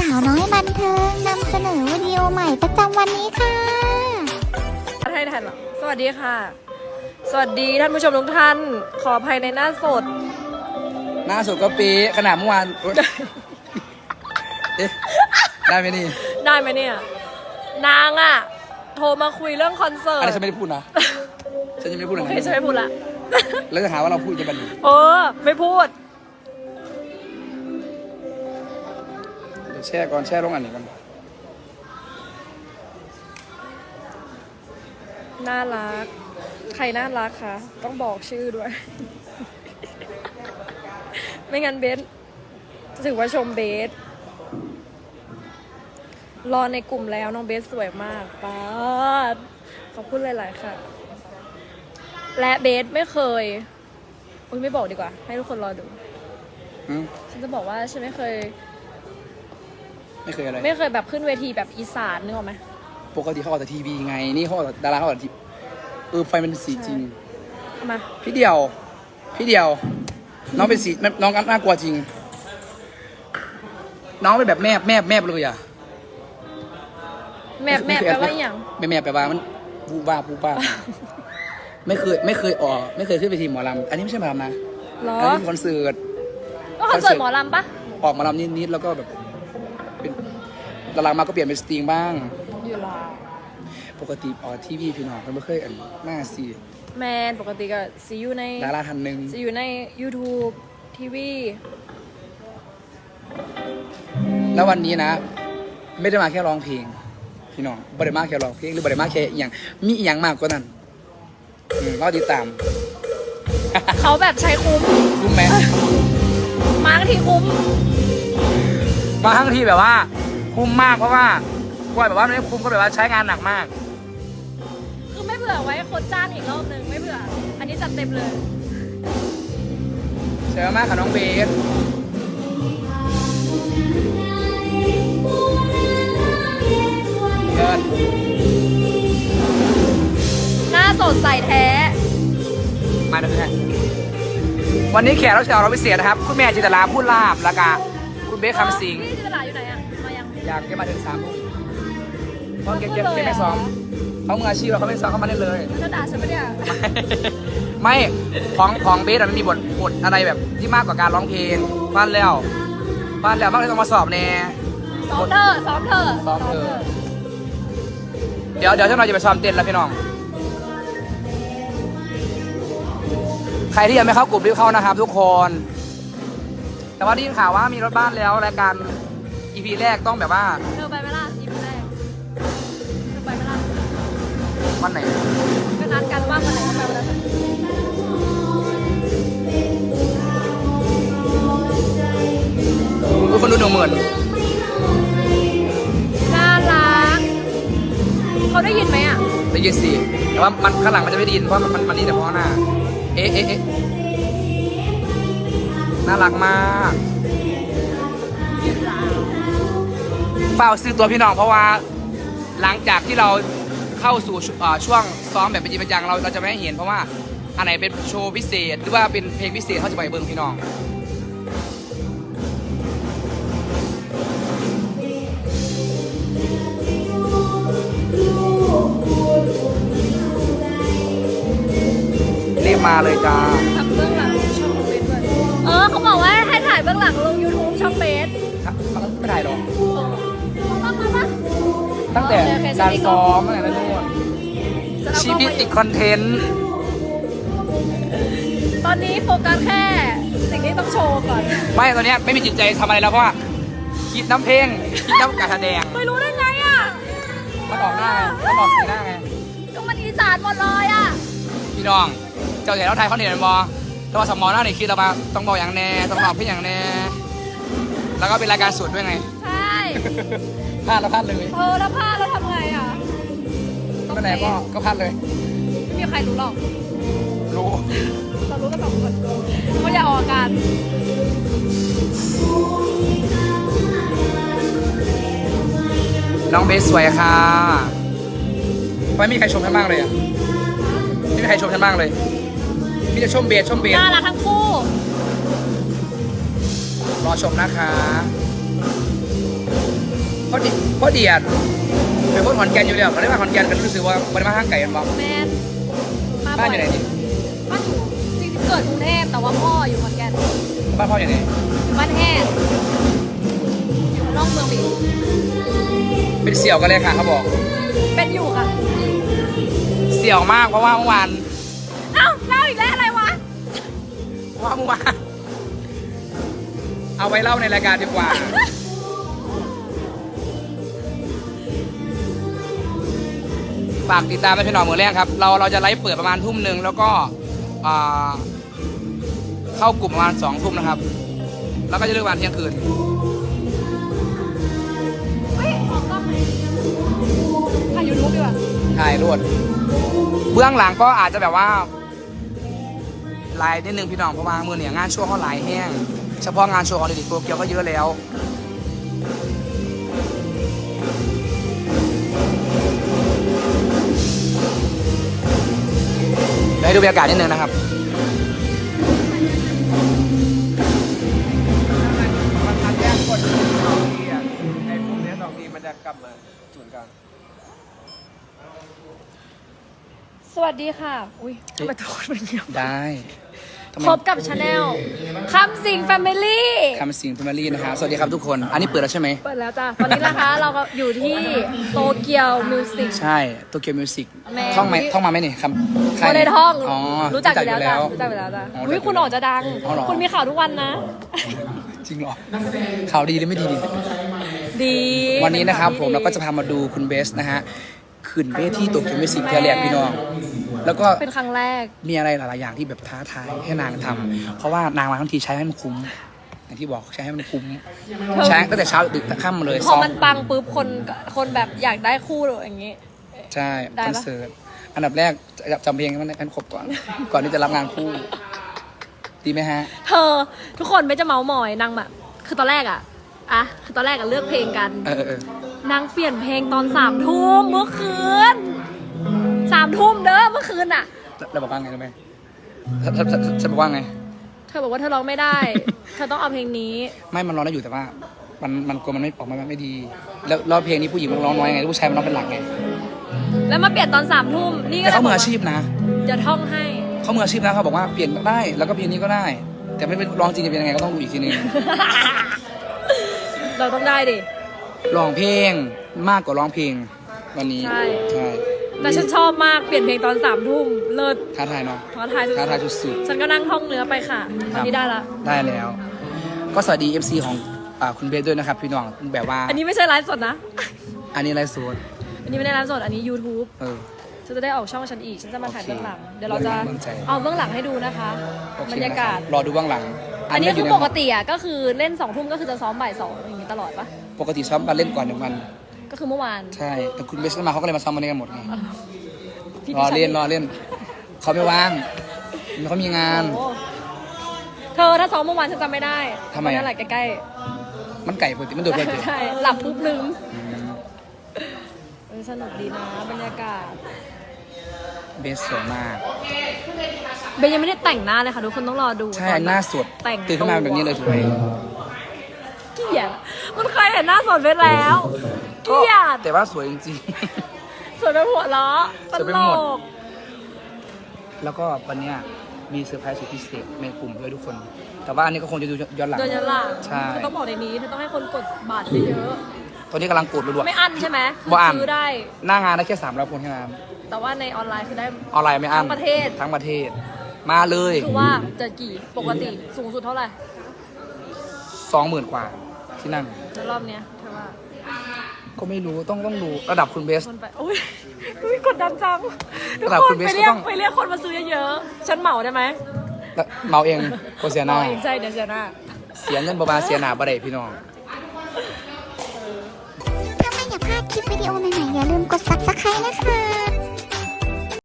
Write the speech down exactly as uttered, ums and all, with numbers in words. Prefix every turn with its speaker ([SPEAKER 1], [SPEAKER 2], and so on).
[SPEAKER 1] าวน้อยบันเทิงนำเสนอวิดีโอใหม่ประจำวันนี้ค่ะ
[SPEAKER 2] ไทยไทยหรอสวัสดีค่ะสวัสดีท่านผู้ชมทุกท่านขออภัยในหน้าสด
[SPEAKER 3] หน้าสดก็ปีขนาดเมื่อวานเอ๊ะได้ไหมนี่
[SPEAKER 2] ได้ไหมเนี่ยนางอ่ะโทรมาคุยเรื่องคอนเสิร์ต
[SPEAKER 3] อันนี้ฉันไม่ได้พูดนะฉันยังไม่ได้พูดอะไร
[SPEAKER 2] โอเคฉันไม่พูดละ
[SPEAKER 3] แล้วจะหาว่าเราพูดจะบัน
[SPEAKER 2] เออไม่พูด
[SPEAKER 3] เดี๋ยวแช่ก่อนแช่ลงอันนี้กัน
[SPEAKER 2] น่ารักใครน่ารักคะต้องบอกชื่อด้วย ไม่งั้นเบสถือว่าชมเบสรอในกลุ่มแล้วน้องเบสสวยมากป้าดขอบคุณหลายๆค่ะและเบสไม่เคยอุ้ยไม่บอกดีกว่าให้ทุกคนรอดูฉันจะบอกว่าฉันไม่เคย
[SPEAKER 3] ไม่เคยอะไร
[SPEAKER 2] ไม่เคยแบบขึ้นเวทีแบบอีสานนึกออกไหม
[SPEAKER 3] ปกติเขาออกแต่ทีวีไงนี่เขาออกดาราเขาออกทีเออไฟมันสีจริง
[SPEAKER 2] มา
[SPEAKER 3] พี่เดียวพี่เดียวน้องเป็นสีน้องน่ากลัวจริงน้องเป็นแบบแม่แม่แม่เลยอ่ะ
[SPEAKER 2] แม่แม่แปลว่าอย่าง
[SPEAKER 3] แม่แม่แปลว่ามันปูบ้าปูบ้าไม่เคยไม่เคยออกไม่เคยขึ้นไปทีหมอลำอันนี้ไม่ใช่หมอลำนะอันนี้คอนเสิร์ต
[SPEAKER 2] ก็คอนเสิร์ตหมอลำปะ
[SPEAKER 3] ออกหมอลำนิดๆแล้วก็แบบเป็นตารางมาก็เปลี่ยนเป็นสตริงบ้าง
[SPEAKER 2] อยู่ลาว
[SPEAKER 3] ปกติออกทีวีพี่น้องมันไม่เคยอันหน้าซี
[SPEAKER 2] แมนปกติก็ซีอยู่ใน
[SPEAKER 3] ดาราท่านหนึ่ง
[SPEAKER 2] ซีอยู่ใน YouTube ทีวี
[SPEAKER 3] แล้ววันนี้นะไม่ได้มาแค่ร้องเพลงพี่น้องบริมาแค่ร้องเพลงหรือบริมาแค่อย่างมีอย่างมากกว่านั้นก็ติดตาม
[SPEAKER 2] เขาแบบใช้คุ้ม
[SPEAKER 3] คุ้มไหม
[SPEAKER 2] มาทั้งทีคุ้ม
[SPEAKER 3] มาทั้งทีแบบว่าคุ้มมากเพราะว่าก้อยแบบว่าไม่คุ้มก็แบบว่าใช้งานหนักมาก
[SPEAKER 2] คือไม่เบื่อไว้คนจ้างอีกรอบหนึ่งไม่เบื่ออันนี้จัดเต็มเลย
[SPEAKER 3] เชิญมากค่ะน้องเบสเกิน
[SPEAKER 2] หน้าสดใสแท้
[SPEAKER 3] มาดูแค่วันนี้แขกรับเชิญเราพิเศษนะครับคุณแม่จิตราพูดลาบแล้วก็คุณเบสคำสิง
[SPEAKER 2] พี่จิตราอยู่ไหนอะมายัง
[SPEAKER 3] อยากแกมาถึงสามทุ่มเพราะเก็บเก็บเก็บไม่ซ้อมเขามืออาชีพเขาไม่ซ้อมเขามาได้เลย
[SPEAKER 2] จะด่าฉันปะเนี่ย
[SPEAKER 3] ไม่ของของเบสมันมีบทบทอะไรแบบที่มากกว่าการร้องเพลงฟันแล้วฟันแล้วบางทีต้องมาสอบแน่
[SPEAKER 2] ซ้อมเธอซ้อมเธอ
[SPEAKER 3] ซ้อมเธอเดี๋ยวเดี๋ยวเจ้าหน่อยจะไปซ้อมเต้นแล้วพี่น้องใครที่ยังไม่เข้ากลุ่มรีบเข้านะครับทุกคนแต่ว่าได้ยินข่าวว่ามีรถบ้านแล้วรายการ อี พี แรกต้องแบบว่า
[SPEAKER 2] เธอไปไหมล่ะ อี พี แรกเธอไปไหมล่ะ
[SPEAKER 3] วันไหน
[SPEAKER 2] ก็นัดกันว่าวันไหนก็ไปวันนั้น
[SPEAKER 3] ทุกคนดูหนึ่งหมื่น
[SPEAKER 2] น่ารักเขาได้ยินไหมอ่ะ
[SPEAKER 3] ได้ยินสิแต่ว่ามันข้างหลังมันจะไม่ได้ยินเพราะมันมันนี่แต่เพราะหน้าเอ๊ะเอ๊ะเอ๊ะน่ารักมากเปล่าซื้อตัวพี่น้องเพราะว่าหลังจากที่เราเข้าสู่ช่วงซ้อมแบบเป็นจริงเป็นจังเราเราจะไม่ให้เห็นเพราะว่าอันไหนเป็นโชว์พิเศษหรือว่าเป็นเพลงพิเศษเขาจะไปเบิ่งพี่น้องรีบมาเลยจ้า
[SPEAKER 2] ทำเบื้องหลังช่องเฟซด้วยเออเขาบอกว่าให้ถ่ายเบื้องหลังลง YouTube ช่องเฟซ
[SPEAKER 3] ไม่ถ่ายหรอก
[SPEAKER 2] มาปะมาปะ
[SPEAKER 3] ตั้งแต่การซ้อมตั้งแต่นั้นนู่นชีวิตติดคอนเทนต์
[SPEAKER 2] ตอนนี้โฟกัสแค่สิ่งที่ต้องโชว์ก่อน
[SPEAKER 3] ไม่ตอนนี้ไม่มีจิตใจทำอะไรแล้วเพราะว่าคิดน้ำเพลงคิดน้ำการแสดง
[SPEAKER 2] ไม่รู้ได้ไงอ่ะ
[SPEAKER 3] มันออกหน้ามันออกสีหน้าไง
[SPEAKER 2] ก็มันอีสานหมดเลยอ่ะ
[SPEAKER 3] พี่น้องเจ้าใหญ่แล้วไทยเขาเนี่ยบอตัวสมอหน้าเนี่ยคิดเรามาต้องบอกอย่างแน่ต้องบอกพี่อย่างแน่แล้วก็เป็นรายการสดด้วยไง
[SPEAKER 2] ใช่
[SPEAKER 3] พลาดแล้วพลาดเลย
[SPEAKER 2] เออแล้วพลาดแล้วทำไงอ่ะ
[SPEAKER 3] ก็ไหนก็ก็พลาดเลย
[SPEAKER 2] ไม่มีใครรู้หรอก
[SPEAKER 3] รู้
[SPEAKER 2] เรารู้กันสองคนเขาอย่าออกอาการ
[SPEAKER 3] น้องเบสสวยค่ะไม่มีใครชมฉันบ้างเลยอ่ะไม่มีใครชมฉันบ้างเลยมีแต่ชมเบสชมเบส
[SPEAKER 2] น่ารักทั้งคู่
[SPEAKER 3] รอชมนะคะเพราะดิเพราะเดียดเป็นคนขอนแก่นอยู่แล้วเขาได้มาขอนแก่นกันรู้สึกว่าบริมาห้างไก่กันบ้าง
[SPEAKER 2] แมนมา
[SPEAKER 3] บ้านอยู่ไหนนี่
[SPEAKER 2] บ้านอยู่จริงๆเกิดกรุงเทพแต่ว่าพ่ออยู่ขอนแก่น
[SPEAKER 3] บ้านพ่ออยู่ไหน
[SPEAKER 2] อยู่บ้านแห้งอยู่นอกเมืองไปอีก
[SPEAKER 3] เป็นเสี่ยวกันเลยค่ะเขาบอก
[SPEAKER 2] เป็นอยู่ค่ะ
[SPEAKER 3] เสี่ยวมากเพราะว่าเมื่อวาน
[SPEAKER 2] เอ้าเล่าอีกแล้วอะไรวะ
[SPEAKER 3] เพราะว่าเมื่อวานเอาไว้เล่าในรายการดีกว่าฝากติดตามในพี่น้องมือแรกครับ เราเราจะไลฟ์เปิดประมาณทุ่มหนึ่งแล้วก็อ่าเข้ากลุ่มประมาณสองทุ่มนะครับ แล้วก็จะเลิกประมาณเที่ยงคืน
[SPEAKER 2] เฮ้ยออกกล้องถ่ายยูทูบดีกว่า
[SPEAKER 3] ถ่ายรวดเบื้องหลังก็อาจจะแบบว่าไลน์นิดนึงพี่น้องเพราะว่ามือเนี่ยงานโชว์เขาหลายแห้งเฉพาะงานโชว์ของเด็กโตเกียวก็เยอะแล้วได้ดูบรรยากาศนิดนึงนะครับมันทันแยกกดสองทีอ่ะในพวกนี้สองทีมันจะกลับมาศูนย์กลาง
[SPEAKER 2] สวัสดีค่ะ อุ้ยทำไมโทษมันเงียบ
[SPEAKER 3] ได้ทำไม
[SPEAKER 2] พบกับชาแนลคำสิงแฟมิลี่
[SPEAKER 3] คำสิงห์แฟมิลี่นะครับสวัสดีครับทุกคน อันนี้เปิดแล้วใช่ไหม
[SPEAKER 2] เปิดแล้วจ้ะ ตอนนี้นะคะ เราก็อยู่ที่โตเกียวมิวสิก
[SPEAKER 3] ใช่โตเกียวมิวสิก
[SPEAKER 2] แม่
[SPEAKER 3] ท่องไหมท่องมาไหมนี่คำใคร
[SPEAKER 2] โมในท่อง
[SPEAKER 3] อ๋อ
[SPEAKER 2] รู้จักอยู่แล้วจ้ะรู้จักอยู่แล้วจ้ะ
[SPEAKER 3] อ๋อ
[SPEAKER 2] อุ้ยคุณออกจะดัง
[SPEAKER 3] อ๋อเหรอ
[SPEAKER 2] คุณมีข่าวทุกวันนะ
[SPEAKER 3] จริงเหรอข่าวดีหรือไม่ดี
[SPEAKER 2] ดี
[SPEAKER 3] วันนี้นะครับผม
[SPEAKER 2] ดี
[SPEAKER 3] เราก็จะพามาดูคุณเบสนะฮะขึ้นเวทีโตเกียวมิวสิกเทอร์เรียพี่น้องแล้วก็
[SPEAKER 2] เป็นครั้งแรก
[SPEAKER 3] มีอะไรหลายๆอย่างที่แบบท้าทายให้นางทำเพราะว่านางมาทั้งทีใช้ให้มันคุ้มอย่างที่บอกใช้ให้มันคุ้มใช้ตั้งแต่เช้าดึกค่ำมาเลย
[SPEAKER 2] พอมันปังปุ๊บคนคนแบบอยากได้คู่อย่างงี้
[SPEAKER 3] ใช่
[SPEAKER 2] ได้
[SPEAKER 3] ค
[SPEAKER 2] ปะ
[SPEAKER 3] อนเสิร์ตอันดับแรกจะจำเพลงให้มันให้มันครบก่อน ก่อนที่จะรับงานคู่ดีไหมฮะ
[SPEAKER 2] เธอทุกคนไม่จะเมาส์มอยนางแบบคือตอนแรกอะอะคือตอนแรกอะเลือกเพลงกัน
[SPEAKER 3] เออเออเออน
[SPEAKER 2] างเปลี่ยนเพลงตอนสามทุ่มเมื่อคืนสามทุ่มเด้อเมื่อคืนอะ
[SPEAKER 3] เราบอกว่าไงรู้ไหมฉันฉันฉันฉันบอกว่าไง
[SPEAKER 2] เธอบอกว่าเธอร้องไม่ได้ เธอต้องเอาเพลงนี้
[SPEAKER 3] ไม่มันร้องได้อยู่แต่ว่า มันมันกลัวมันไม่ออกมาไม่ดี แล้วแล้วเพลงนี้ผู้หญิงมันร้องน้อยไงผู้ชายมันร้องเป็นหลักไง
[SPEAKER 2] แล้วมาเปลี่ยนตอนสามทุ่มนี่ก็
[SPEAKER 3] แต่เขามือ
[SPEAKER 2] ลยบกว่
[SPEAKER 3] อาชีพนะ
[SPEAKER 2] จะท่องให้
[SPEAKER 3] เขามืออาชีพนะเขาบอกว่าเปลี่ยนได้ แล้วก็เพลงนี้ก็ได้ แต่ไม่เป็นร้องจริงจะเป็นยังไงก็ต้องดูอีกทีนึง
[SPEAKER 2] เราต้องได้ดิ
[SPEAKER 3] ร้องเพลงมากกว่าร้องเพลงวันนี้
[SPEAKER 2] ใช่
[SPEAKER 3] ใช่
[SPEAKER 2] แต่ฉันชอบมากเปลี่ยนเพลงตอนสามทุ่มเลิศ
[SPEAKER 3] ท้าทายเนาะ
[SPEAKER 2] ท้าทายสุดๆ
[SPEAKER 3] ท้าทายสุด
[SPEAKER 2] ฉันก็นั่งท่องเนื้อไปค่ะตอนนี้ได้ละ
[SPEAKER 3] ได้แล้ว ก็สวัสดี เอฟ ซี ของอ่าคุณเบสด้วยนะครับ พี่น้องแบบว่า
[SPEAKER 2] อันนี้ไม่ใช่ไลฟ์สดนะ
[SPEAKER 3] อันนี้ไลฟ์สด
[SPEAKER 2] อันนี้ไม่ได้ไลฟ์สด อันนี้ YouTube
[SPEAKER 3] เออ
[SPEAKER 2] ฉันจะได้ออกช่องฉันอีก ฉันจะมาถ่าย
[SPEAKER 3] โอเค
[SPEAKER 2] เบื้องหลัง เดี๋ยวเราจะ
[SPEAKER 3] เบื้องหลังเบื้องใจ
[SPEAKER 2] เอาเบื้องหลังให้ดูนะคะ
[SPEAKER 3] โอเค
[SPEAKER 2] บรรยากาศ
[SPEAKER 3] นะครับรอดูเบื้องหลัง
[SPEAKER 2] อันนี้
[SPEAKER 3] ไม่
[SPEAKER 2] คือ
[SPEAKER 3] ใน
[SPEAKER 2] ปกติอ่ะก็คือเล่นสองทุ่มก็คือจะซ้อมบ่ายสองอย่างนี้ตลอดปะ
[SPEAKER 3] ปกติซ้อมการเล่นก่อนหนึ่งวัน
[SPEAKER 2] ก็คือเมื่อวาน
[SPEAKER 3] ใช่ แต่คุณเบสมาเขาก็เลยมาซ้อมวันนี้กันหมดไง
[SPEAKER 2] พี่
[SPEAKER 3] รอเล่น
[SPEAKER 2] พี่
[SPEAKER 3] รอเล่น เขาไม่ว่างเขามีงาน
[SPEAKER 2] โอ้เธอถ้าซ้อมเมื่อวานฉันจำไม่ได้
[SPEAKER 3] ทำไมอะ
[SPEAKER 2] นั่นแหละใกล้
[SPEAKER 3] มันไก่ปกติมันโดดปกติ
[SPEAKER 2] ๆใช่หลับปุ๊บลืม
[SPEAKER 3] อืม
[SPEAKER 2] เออสนุกดีนะบรรยากาศ
[SPEAKER 3] เบสสวยมาก
[SPEAKER 2] เบนยังไม่ได้แต่งหน้าเลยค่ะทุกคนต้องรอดู
[SPEAKER 3] ใช่
[SPEAKER 2] ตอ
[SPEAKER 3] หน้าสด
[SPEAKER 2] แต่ง
[SPEAKER 3] ตื่นขึ้นมาแบบนี้เลยถูกไหม
[SPEAKER 2] เกลียดมันเคยเห็นหน้าสดเบนแล้วเกลียด
[SPEAKER 3] แต่ว่าสวยจริง
[SPEAKER 2] สวยเป็นหัวล้อต
[SPEAKER 3] สวยไป
[SPEAKER 2] ล
[SPEAKER 3] หมด
[SPEAKER 2] ก
[SPEAKER 3] ๆ แล้วก็วันเนี้ยมีเซอร์ไพรส์สุดพิเศษในกลุ่มด้วยทุกคน แต่ว่าอันนี้ก็คงจะดูย้อนหลัง
[SPEAKER 2] เดินยันหลัง
[SPEAKER 3] ใช่
[SPEAKER 2] เธอต้องบอกในนี้เธอต้องให้คนกดบัตรเยอะ
[SPEAKER 3] ตอนนี้กำลังกดรัว
[SPEAKER 2] ๆไม่อั้นใช่ไหมคือ
[SPEAKER 3] บ่อั้น
[SPEAKER 2] ซื้อได้
[SPEAKER 3] ๆหน้างานได้แค่สามร้อยคนแค่นั้น
[SPEAKER 2] แต่ว่าในออนไลน์คือได้
[SPEAKER 3] ออนไลน์ไม่อั้น
[SPEAKER 2] ทั้งประเทศ
[SPEAKER 3] ทั้งประเทศ มาเลย
[SPEAKER 2] คือว่าจะกี่ปกติสูงสุดเท่าไหร่
[SPEAKER 3] สองหมื่นกว่าที่นั่ง
[SPEAKER 2] แล้วรอบเนี้ยเธอว่า
[SPEAKER 3] ก็ไม่รู้ต้องต้องดูระดับคุณเบส
[SPEAKER 2] คนไปอุ้ยอุ้ยกดดันจังทุก
[SPEAKER 3] ระดับ
[SPEAKER 2] ค
[SPEAKER 3] คุ
[SPEAKER 2] น
[SPEAKER 3] ณเบส
[SPEAKER 2] ไปเรีย
[SPEAKER 3] ก็
[SPEAKER 2] ก
[SPEAKER 3] ต้อง
[SPEAKER 2] ไปเรียกคนมาซื้อเยอะๆฉันเหมาได้ไหม
[SPEAKER 3] แล้วเมาเองโคเสียหน้า
[SPEAKER 2] เอาเองใช่เดี๋ยวเสียหน้า
[SPEAKER 3] เสียเงินบาๆเสียหนาบะเดพี่น้อง
[SPEAKER 1] ถ้าไม่อยากพลาดคลิปวิดีโอใหม่ๆอย่าลืมกด ซับสไครบ์ นะคะ